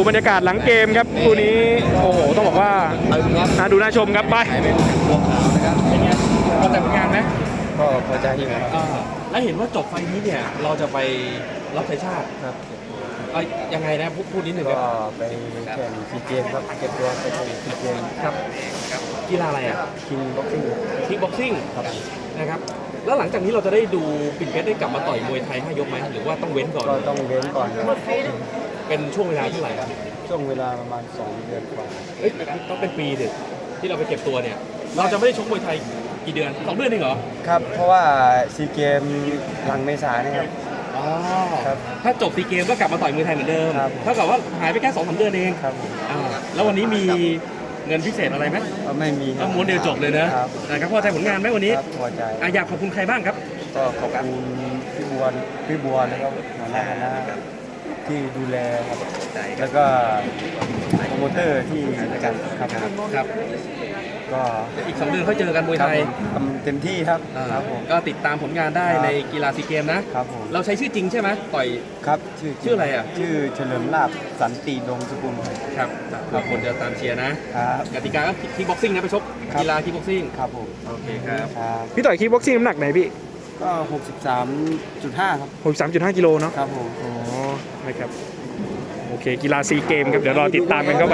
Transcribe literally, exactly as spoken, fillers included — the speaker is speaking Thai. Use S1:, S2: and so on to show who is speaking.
S1: บรรยากาศหลังเกมครับคู่นี้โอ้โหต้องบอกว่าน่าดูน่าชมครับไปเป็นไงพอใจผลงานไหม
S2: ก็พอใจอยู่ครับ
S1: แล้วเห็นว่าจบไฟนี้เนี่ยเราจะไปรับใช้ชาติ
S2: ครับ
S1: เอายังไงนะพูดพูดนิดหนึ่งค
S2: ก็
S1: รับ
S2: ไปแข่งซีเกมครับเก็บตัวไปแข่งซีเกม
S1: ครับกีฬาอะไรอ่ะ
S2: คิงบ็อกซิ่ง
S1: คิกบ็อกซิ่ง
S2: ครับ
S1: นะครับแล้วหลังจากนี้เราจะได้ดูปิ่นเพชรได้กลับมาต่อยมวยไทยห้ายกไหมหรือว่าต้องเว้นก่อน
S2: ก็ต้องเว้นก่อนครับ
S1: เป็นช่วงเวลาเท่าไหร่ครับ
S2: ช่วงเวลาประมาณสองเดือนกว่า
S1: เอ้ยต้องเป็นปีดิที่เราไปเก็บตัวเนี่ยเราจะไม่ได้ชกมวยไทยกี่เดือนสองเดือนเองเหรอ
S2: ครับเพราะว่าซีเกมหลังเมษาเนี่ยครับ
S1: อ๋อครับถ้าจบซีเกมก็กลับมาต่อยมวยไทยเหมือนเดิมเท่ากับว่าหายไปแค่สองสามเดือนเอง
S2: ครับ
S1: อ่าแล้ววันนี้มีเงินพิเศษอะไรไหม
S2: ไม่มี
S1: ต้องม้วนเดียวจบเลยนะนะครับพอใจผลงานไหมวันนี้
S2: พอใจ
S1: อยากขอบคุณใครบ้างครับ
S2: ก็ขอบคุณพี่บัวพี่บัวแล้วก็หัวหน้าคณะที่ดูแลครับแล้วก็โปรโมเตอร์ที่กันครับ
S1: ครับ
S2: ก็
S1: อีกสองเดือนเขาเจอกันมวยไทย
S2: ทำเต็มที่ครับ
S1: ครับผมก็ติดตามผลงานได้ในกีฬาซีเกมนะครับผมเราใช้ชื่อจริงใช่ไหมต่อย
S2: ครับชื่อ
S1: ชื่ออะไรอ่ะ
S2: ชื่อเฉลิมลาภสันติดงสกุล
S1: ครับครับคนจะตามเชียร์นะครับกติกาก็คิกบ็อกซิ่งนะไปชกกีฬาคิกบ็อกซิ่ง
S2: ครับผม
S1: โอเคครับพี่ต่อยคิกบ็อกซิ่งน้ำหนักไหนพี่
S2: ก็หกสิบสามจุดห้าครับ
S1: หกสิบสามจุดห้ากิโลเนาะ
S2: ครับผม
S1: อ๋อนะครับโอเคกีฬาซีเกมครับเดี๋ยวรอติดตามกันเข้าไป